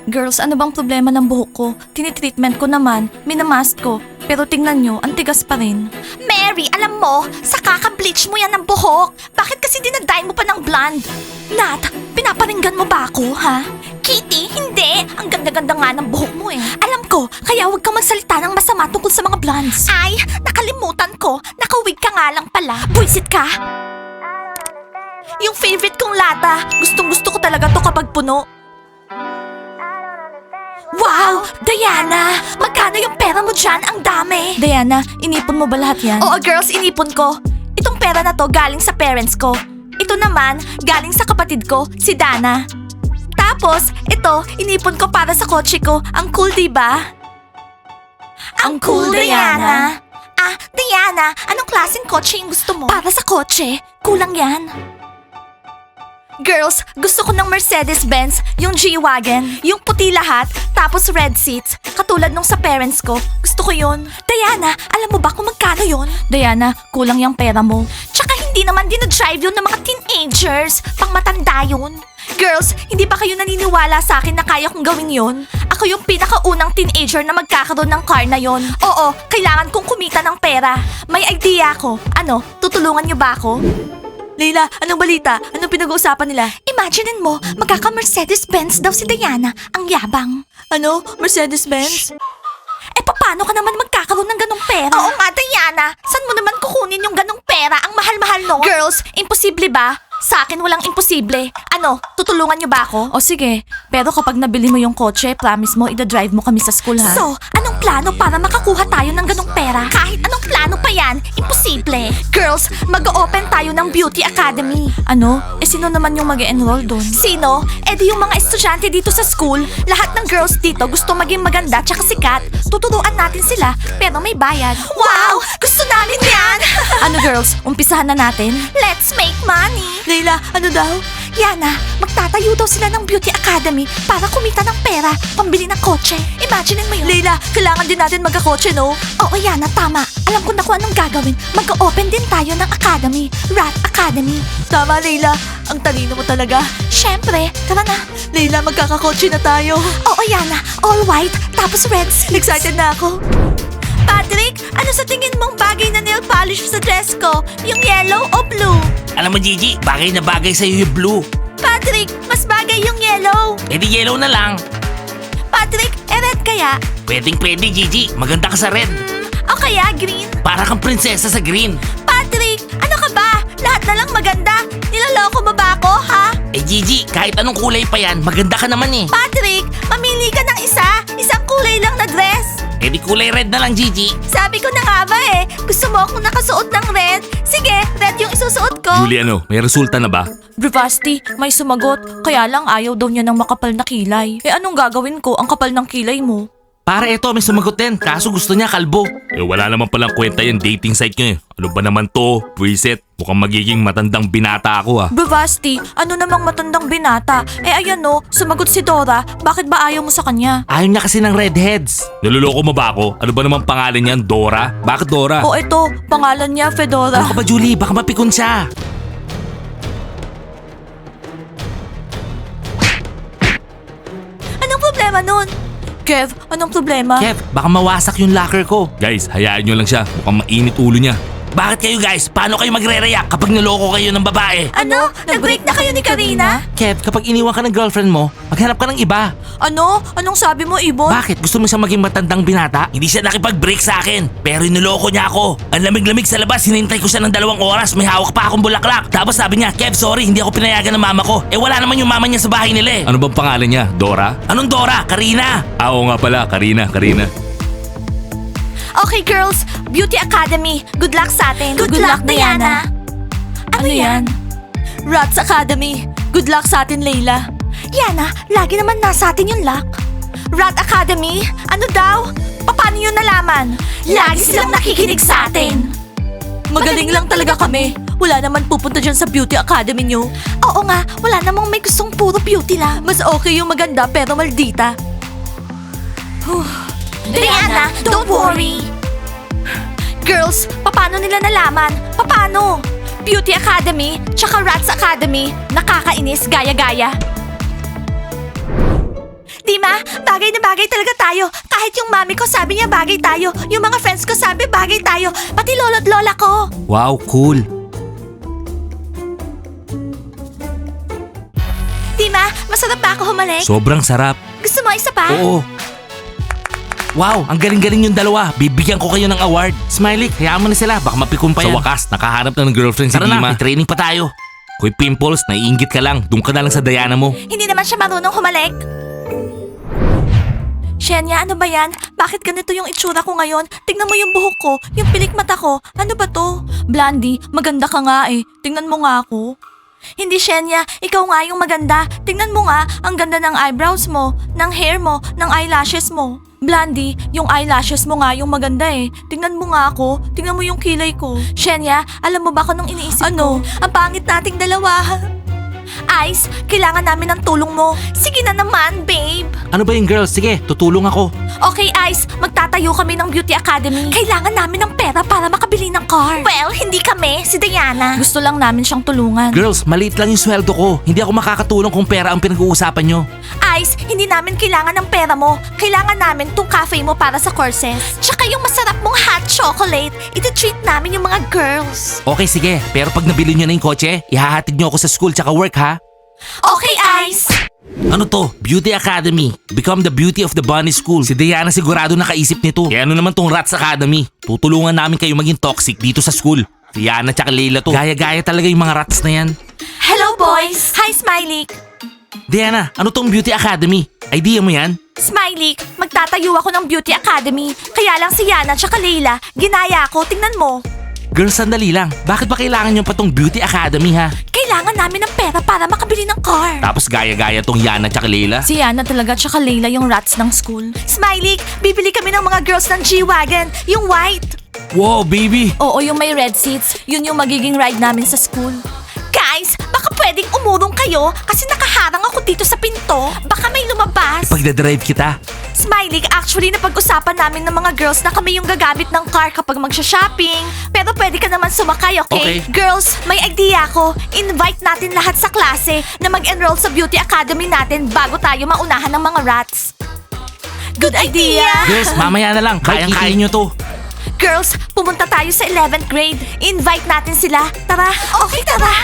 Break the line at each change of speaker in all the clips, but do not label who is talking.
Girls, ano bang problema ng buhok ko? Tinitreatment ko naman, minamask ko. Pero tingnan nyo, ang tigas pa rin.
Mary, alam mo, sa kaka-bleach mo yan ng buhok. Bakit kasi dinadye mo pa ng blonde? Nat, pinaparinggan mo ba ako, ha? Kitty, hindi. Ang ganda-ganda nga ng buhok mo eh. Alam ko, kaya huwag kang magsalita ng masama tungkol sa mga blondes. Ay, nakalimutan ko. Nakawig ka nga lang pala. Buisit ka. Yung favorite kong lata, gustong-gusto ko talaga to kapag puno. Wow! Diana! Magkano yung pera mo dyan? Ang dami!
Diana, inipon mo ba lahat yan?
Oo girls, inipon ko. Itong pera na to galing sa parents ko. Ito naman, galing sa kapatid ko, si Dana. Tapos, ito, inipon ko para sa kotse ko. Ang cool, diba? Ang cool, Diana. Ah, Diana, anong klaseng kotse yung gusto mo? Para sa kotse? Kulang yan. Girls, gusto ko ng Mercedes-Benz, yung G-Wagon, yung puti lahat, tapos red seats, katulad nung sa parents ko. Gusto ko yun. Diana, alam mo ba kung magkano yun?
Diana, kulang yung pera mo.
Tsaka hindi naman dinadrive yun ng mga teenagers, pang matanda yun. Girls, hindi ba kayo naniniwala sa akin na kaya kong gawin yun? Ako yung pinakaunang teenager na magkakaroon ng car na yon. Oo, kailangan kong kumita ng pera. May idea ako. Ano, tutulungan niyo ba ako?
Leila, anong balita? Anong pinag-uusapan nila?
Imaginein mo, magkaka-Mercedes-Benz daw si Diana. Ang yabang.
Ano? Mercedes-Benz?
Eh, paano ka naman magkakaroon ng ganong pera? Oo nga, Diana. Saan mo naman kukunin yung ganong pera? Ang mahal-mahal no? Girls, imposible ba? Sa akin walang imposible. Ano, tutulungan niyo ba ako?
O sige, pero kapag nabili mo yung kotse, promise mo, ida-drive mo kami sa school ha?
So, anong plano para makakuha tayo ng ganong pera? Kahit anong plano pa yan, imposible. Girls, mag-open tayo ng Beauty Academy.
Ano? Eh sino naman yung mag-enroll doon?
Sino? Eh di yung mga estudyante dito sa school. Lahat ng girls dito gusto maging maganda tsaka sikat. Tuturuan natin sila, pero may bayad. Wow! Gusto namin yan!
Ano girls, umpisahan na natin?
Let's make money!
Leila, ano daw?
Yana, magtatayo daw sila ng Beauty Academy para kumita ng pera, pambili ng kotse. Imagine mo yun.
Leila, kailangan din natin magkakotse, no?
Oo, Yana, tama. Alam ko na kung anong gagawin. Mag-open din tayo ng academy. Rat Academy.
Tama, Leila. Ang talino mo talaga.
Syempre, tara na.
Leila, magkakakotse na tayo.
Oo, Yana. All white, tapos red seats.
Excited na ako.
Patrick, ano sa tingin mong bagay na nail polish sa dress ko? Yung yellow o blue?
Alam mo Gigi, bagay na bagay sa'yo yung blue.
Patrick, mas bagay yung yellow.
E di yellow na lang.
Patrick, red kaya?
Pwedeng pwede Gigi, maganda ka sa red.
O kaya green?
Para kang prinsesa sa green.
Patrick, ano ka ba? Lahat na lang maganda. Niloloko mo ba ako, ha?
Eh Gigi, kahit anong kulay pa yan, maganda ka naman eh.
Patrick, mamili ka ng isa. Isang kulay lang na dress.
Eh di kulay red na lang Gigi.
Sabi ko na nga ba eh, gusto mo akong nakasuot ng red? Sige, red yung isusuot ko.
Ano, may resulta na ba?
Bravasti, may sumagot. Kaya lang ayaw daw niya ng makapal na kilay. Eh anong gagawin ko? Ang kapal ng kilay mo.
Para eto, may sumagot din. Kaso gusto niya kalbo.
Eh wala naman palang kwenta yung dating site nyo eh. Ano ba naman to? Preset, mukhang magiging matandang binata ako ah.
Bravasti, ano namang matandang binata? Eh ayan no, sumagot si Dora. Bakit ba ayaw mo sa kanya?
Ayaw niya kasi ng redheads.
Naluloko mo ba ako? Ano ba naman pangalan niyan? Dora? Bakit Dora?
O ito, pangalan niya Fedora.
Ano ka ba Julie? Baka mapikon siya.
Anong problema nun?
Kev, anong problema?
Kev, baka mawasak yung locker ko.
Guys, hayaan nyo lang siya. Mukhang mainit ulo niya.
Bakit kayo guys? Paano kayo magre-react kapag niloko kayo ng babae?
Ano? Nag-break na kayo ni Karina?
Kev, kapag iniwan ka ng girlfriend mo, maghanap ka ng iba.
Ano? Anong sabi mo, Ibon?
Bakit? Gusto mo siya maging matandang binata? Hindi siya nakipag-break sa akin. Pero iniloko niya ako. Ang lamig-lamig sa labas, hinintay ko siya ng 2 oras. May hawak pa akong bulaklak. Tapos sabi niya, Kev, sorry, hindi ako pinayagan ng mama ko. Eh wala naman yung mama niya sa bahay nila eh.
Ano bang pangalan niya? Dora?
Anong Dora? Karina.
Oo nga pala, Karina.
Okay girls, Beauty Academy. Good luck sa atin.
Good luck, Diana.
Ano yan?
Rats Academy. Good luck sa atin, Leila.
Yana, lagi naman nasa atin yung luck. Rat Academy? Ano daw? Paano yun nalaman? Lagi silang nakikinig sa atin.
Magaling lang talaga kami. Wala naman pupunta dyan sa Beauty Academy nyo.
Oo nga, wala namang may gustong puro beauty lang.
Mas okay yung maganda pero maldita.
Diana, don't worry. Girls, paano nila nalaman? Paano? Beauty Academy, tsaka Rats Academy, nakakainis gaya-gaya. Di Dima, bagay na bagay talaga tayo. Kahit yung mami ko sabi niya bagay tayo. Yung mga friends ko sabi bagay tayo. Pati lolo't lola ko.
Wow, cool.
Dima, masarap ba ako humalik?
Sobrang sarap.
Gusto mo isa pa?
Oo. Wow, ang galing-galing yung dalawa. Bibigyan ko kayo ng award. Smiley, hayaan mo na sila. Baka mapikon pa yan. Sa wakas, nakahanap na ng girlfriend si Dima. Tara na, training pa tayo. Kuy Pimples, naiingit ka lang. Doon ka na lang sa Diana mo.
Hindi naman siya marunong humalik. Shenya, ano ba yan? Bakit ganito yung itsura ko ngayon? Tingnan mo yung buhok ko, yung pilik mata ko. Ano ba to?
Blandy, maganda ka nga eh. Tingnan mo nga ako.
Hindi, Shenya. Ikaw nga yung maganda. Tingnan mo nga, ang ganda ng eyebrows mo, ng hair mo, ng eyelashes mo.
Blandy, yung eyelashes mo nga yung maganda eh. Tingnan mo nga ako. Tingnan mo yung kilay ko.
Shenya, alam mo ba kung anong iniisip
Ano?
ko? Ang pangit nating dalawa. Ice, kailangan namin ng tulong mo. Sige na naman, babe.
Ano ba yung girls? Sige, tutulong ako.
Okay, Ice, magtatayo kami ng Beauty Academy. Kailangan namin ng pera para makabili ng car. Well, hindi kami, si Diana.
Gusto lang namin siyang tulungan.
Girls, maliit lang yung sweldo ko. Hindi ako makakatulong kung pera ang pinag-uusapan nyo.
Ice, hindi namin kailangan ng pera mo. Kailangan namin tong cafe mo para sa courses. Tsaka yung masarap mong hot chocolate. Iti-treat namin yung mga girls.
Okay, sige. Pero pag nabili nyo na yung kotse, ihahatid nyo ako sa school tsaka work ha?
Okay, Ice.
Ano to? Beauty Academy. Become the beauty of the bunny school. Si Diana sigurado nakaisip nito. Kaya ano naman tong Rats Academy? Tutulungan namin kayo maging toxic dito sa school. Si Yana tsaka Leila to. Gaya-gaya talaga yung mga rats na yan.
Hello, boys. Hi, Smiley.
Diana, ano tong Beauty Academy? Idea mo yan?
Smiley, magtatayo ako ng Beauty Academy. Kaya lang si Yana tsaka Leila, ginaya ko, tingnan mo.
Girls, sandali lang. Bakit ba kailangan nyo pa tong Beauty Academy ha?
Kailangan namin ng pera para makabili ng car.
Tapos gaya-gaya tong Yana tsaka Leila?
Si Yana talaga tsaka Layla yung rats ng school.
Smiley, bibili kami ng mga girls ng G-Wagon, yung white.
Wow, baby!
Oo, yung may red seats. Yun yung magiging ride namin sa school.
Guys, baka pwedeng umurong kayo kasi nakaharang ako dito sa pinto. Baka may lumabas.
Pagdadrive kita.
Smiley, actually napag-usapan namin ng mga girls na kami yung gagamit ng car kapag magsha-shopping. Pero pwede ka naman sumakay, okay?
Okay.
Girls, may idea ako. Invite natin lahat sa klase na mag-enroll sa beauty academy natin bago tayo maunahan ng mga rats. Good idea!
Girls, mamaya na lang. Kayang-kaya nyo to.
Girls, pumunta tayo sa 11th grade. Invite natin sila. Tara. Okay, tara.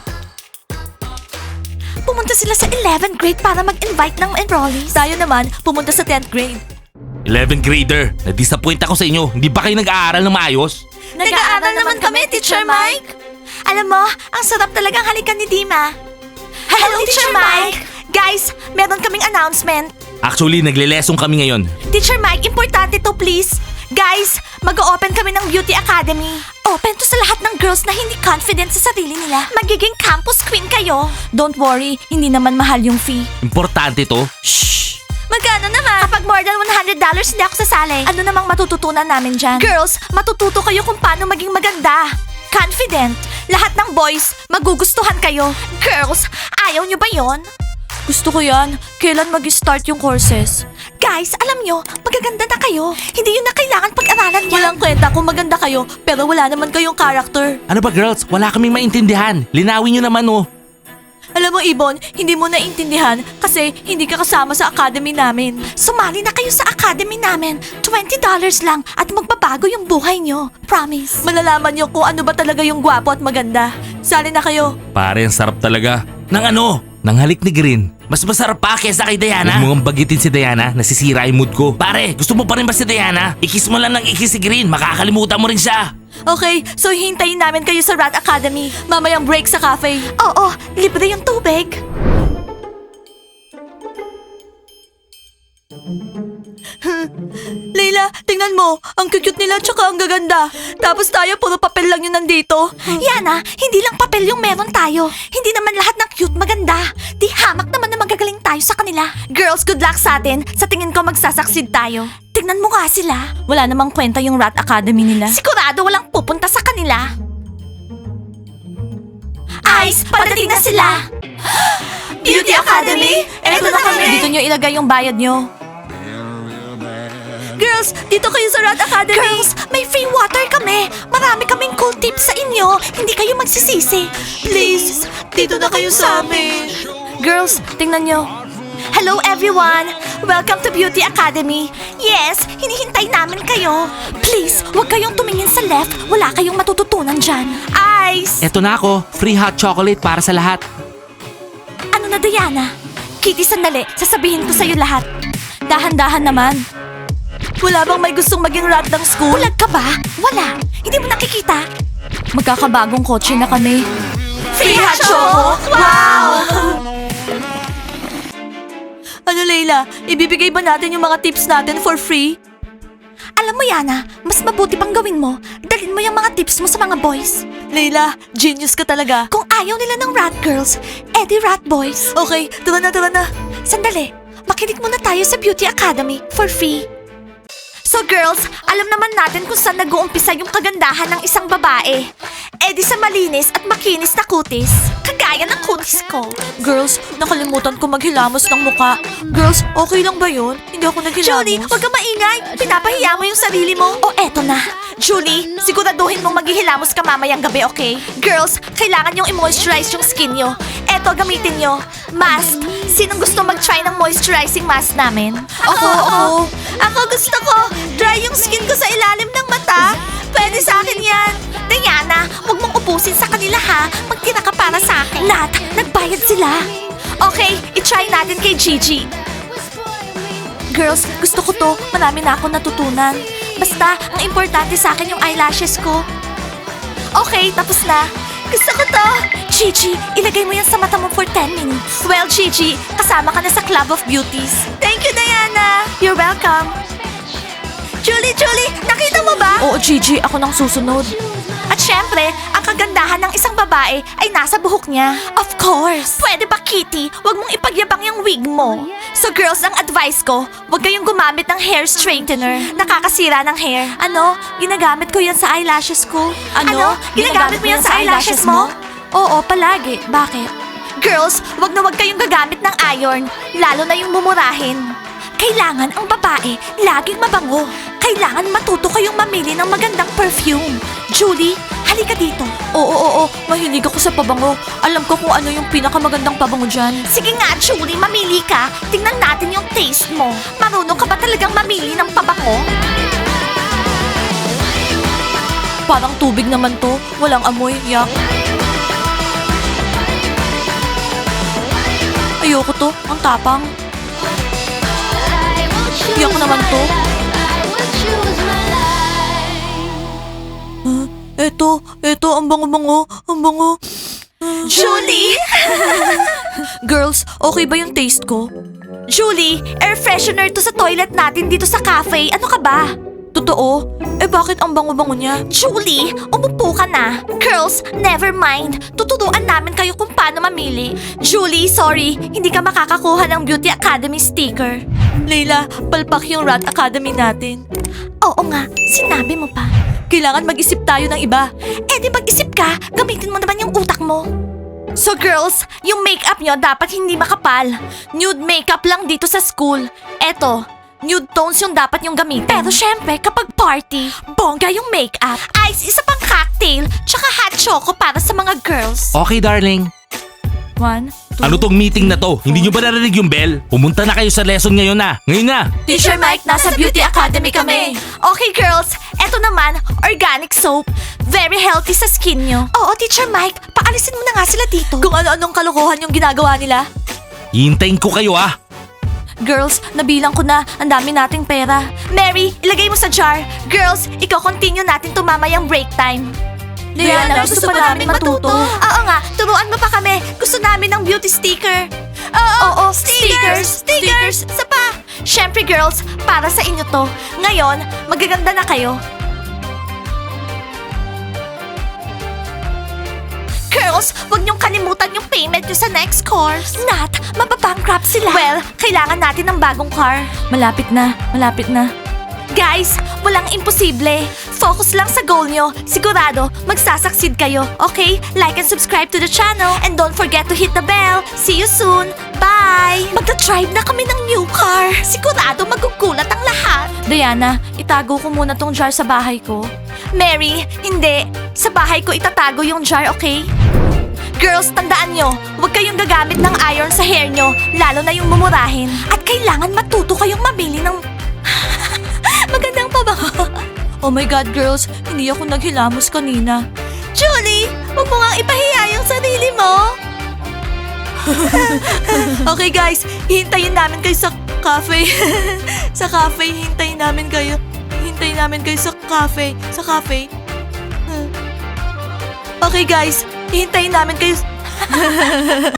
Pumunta sila sa 11th grade para mag-invite ng enrollees.
Tayo naman, pumunta sa 10th grade.
11th grader, na-disappoint ako sa inyo. Hindi ba kayo nag-aaral ng maayos?
Nag-aaral naman kami, Teacher Mike. Alam mo, ang sarap talagang halikan ni Dima. Hello, Teacher Mike. Guys, meron kaming announcement.
Actually, nagle-lesson kami ngayon.
Teacher Mike, importante to please. Guys, mag-open kami ng Beauty Academy. Open to sa lahat ng girls na hindi confident sa sarili nila. Magiging campus queen kayo.
Don't worry, hindi naman mahal yung fee.
Importante to.
Shh!
Magkano naman? Kapag more than $100, hindi ako sasali. Ano namang matututunan namin dyan? Girls, matututo kayo kung paano maging maganda. Confident. Lahat ng boys, magugustuhan kayo. Girls, ayaw nyo ba yon?
Gusto ko yan. Kailan mag-start yung courses?
Guys, alam nyo, magaganda na kayo. Hindi yun na kailangan pag-aralan yan.
Walang kwenta kung maganda kayo, pero wala naman kayong character.
Ano ba girls? Wala kaming maintindihan. Linawin nyo naman oh.
Alam mo, Ibon, hindi mo naintindihan kasi hindi ka kasama sa academy namin.
Sumali na kayo sa academy namin. $20 lang at magbabago yung buhay nyo. Promise.
Malalaman niyo kung ano ba talaga yung gwapo at maganda. Sali na kayo.
Pare, ang sarap talaga. Nang ano? Nang halik ni Green. Mas masarap pa kesa kay Diana. Huwag mo nga bagitin si Diana, nasisira yung mood ko. Pare, gusto mo pa rin ba si Diana? Ikis mo lang ng ikis si Green, makakalimutan mo rin siya.
Okay, so hintayin namin kayo sa Rat Academy. Mamayang break sa cafe.
Oo, libre yung tubig.
Leila, tingnan mo. Ang cute nila tsaka ang gaganda. Tapos tayo, puro papel lang yun nandito.
Yana, hindi lang papel yung meron tayo. Hindi naman lahat ng cute maganda. Di hamak naman na magagaling tayo sa kanila. Girls, good luck sa atin. Sa tingin ko magsasucceed tayo. Tingnan mo nga sila.
Wala namang kwenta yung Rat Academy nila.
Sigurado walang pupunta sa kanila. Ice, padating na sila. Beauty Academy? Eto na kami.
Dito nyo ilagay yung bayad nyo.
Girls, dito kayo sa Rat Academy. Girls, may free water kami. Marami kaming cool tips sa inyo. Hindi kayo magsisisi.
Please, dito na kayo sa amin. Girls, tingnan nyo.
Hello everyone! Welcome to Beauty Academy. Yes, hinihintay namin kayo. Please, huwag kayong tumingin sa left. Wala kayong matututunan dyan. Ice!
Eto na ako, free hot chocolate para sa lahat.
Ano na, Diana? Kitty, sandali. Sasabihin ko sa'yo lahat.
Dahan-dahan naman. Wala bang may gustong maging rat ng school?
Bulag ka ba? Wala. Hindi mo nakikita?
Magkakabagong kotse na kami.
Free hot choco? Wow!
Ano, Layla? Ibibigay ba natin yung mga tips natin for free?
Alam mo, Yana, mas mabuti pang gawin mo. Dalhin mo yung mga tips mo sa mga boys.
Layla, genius ka talaga.
Kung ayaw nila ng rat girls, edi rat boys.
Okay, tara na.
Sandali, makinig muna tayo sa Beauty Academy for free. So girls, alam naman natin kung saan nag-uumpisa yung kagandahan ng isang babae. Edi sa malinis at makinis na kutis. Kagaya ng kutis ko.
Girls, nakalimutan ko maghilamos ng muka. Girls, okay lang ba yun? Hindi ako naghilamos.
Julie, huwag ka maingay. Pinapahiya mo yung sarili mo. O eto na. Julie, siguraduhin mong maghihilamos ka mamayang gabi, okay? Girls, kailangan yung i-moisturize yung skin nyo. Eto, gamitin nyo. Mask. Sinong gusto mag-try ng moisturizing mask namin?
Ako.
Ako gusto ko. Dry yung skin ko sa ilalim ng mata. Pwede sa akin yan. Diana, huwag mong ubusin sa kanila ha. Magtira ka para sa akin. Nat, nagbayad sila. Okay, i-try natin kay Gigi.
Girls, gusto ko to. Marami na akong natutunan.
Basta, ang importante sa akin yung eyelashes ko. Okay, tapos na. Gusto ko to. Gigi, ilagay mo yan sa mata mo for 10 minutes. Well, Gigi, kasama ka na sa Club of Beauties. Thank you, Diana. You're welcome. Julie, nakita mo ba?
Oo, Gigi, ako nang susunod.
At syempre, ang kagandahan ng isang babae ay nasa buhok niya. Of course! Pwede ba, Kitty? Huwag mong ipagyabang yung wig mo. So girls, ang advice ko, huwag kayong gumamit ng hair straightener. Nakakasira ng hair. Ano? Ginagamit ko yan sa eyelashes ko.
Ano?
Ginagamit mo yan sa eyelashes mo?
Oo, palagi. Bakit?
Girls, wag na wag kayong gagamit ng iron, lalo na yung mumurahin. Kailangan ang babae laging mabango. Kailangan matuto kayong mamili ng magandang perfume. Julie, halika dito.
Oo. Mahilig ako sa pabango. Alam ko kung ano yung pinakamagandang pabango dyan.
Sige nga, Julie, mamili ka. Tingnan natin yung taste mo. Marunong ka ba talagang mamili ng pabango?
Parang tubig naman to. Walang amoy. Yak. Ayoko to. Ang tapang. Yak naman to. Eto, ang bango-bango. Ang bango.
Julie!
Girls, okay ba yung taste ko?
Julie, air freshener to sa toilet natin dito sa cafe. Ano ka ba?
Totoo? Bakit ang bango-bango niya?
Julie, umupo ka na. Girls, never mind. Tuturuan namin kayo kung paano mamili. Julie, sorry. Hindi ka makakakuha ng Beauty Academy sticker.
Layla, palpak yung Rat Academy natin.
Oo nga, sinabi mo pa.
Kailangan mag-isip tayo ng iba.
Di mag-isip ka. Gamitin mo naman yung utak mo. So girls, yung makeup nyo dapat hindi makapal. Nude makeup lang dito sa school. Eto, nude tones yung dapat yung gamitin. Pero syempre, kapag party, bongga yung makeup. Ice, isa pang cocktail, tsaka hot choco para sa mga girls.
Okay, darling.
1, 2.
Ano tong meeting na to? Hindi nyo ba narinig yung bell? Pumunta na kayo sa lesson ngayon na. Ngayon na.
Teacher Mike, nasa Beauty Academy kami.
Okay girls, eto naman, organic soap. Very healthy sa skin nyo. Oo, Teacher Mike, paalisin mo na nga sila dito.
Kung ano-anong kalokohan yung ginagawa nila.
Hintayin ko kayo ah.
Girls, nabilang ko na. Ang dami nating pera.
Mary, ilagay mo sa jar. Girls, ikaw continue natin tumamayang break time.
Diana, gusto pa namin matuto.
Oo nga, turuan mo pa kami. Gusto namin ng beauty sticker. Oo, stickers. Sa pa. Syempre girls, para sa inyo to. Ngayon, magaganda na kayo. Girls, huwag niyong kalimutan yung payment niyo sa next course. Nat, mababankrupt sila. Well, kailangan natin ng bagong car.
Malapit na.
Guys, walang imposible. Focus lang sa goal nyo. Sigurado, magsasucceed kayo. Okay? Like and subscribe to the channel. And don't forget to hit the bell. See you soon. Bye! Magta-drive na kami ng new car. Sigurado magugulat ang lahat.
Diana, itago ko muna tong jar sa bahay ko.
Mary, hindi. Sa bahay ko itatago yung jar, okay? Girls, tandaan nyo, huwag kayong gagamit ng iron sa hair nyo, lalo na yung mumurahin. At kailangan matuto kayong mamili ng magandang pabango.
Oh my God, girls, hindi ako naghilamos kanina.
Julie, huwag mo nga ipahiya yung sarili mo.
Okay guys, hintayin namin kayo sa cafe. Sa cafe, hintayin namin kayo. Hintayin namin kayo sa cafe. Sa cafe. Okay guys, hintayin namin kayo.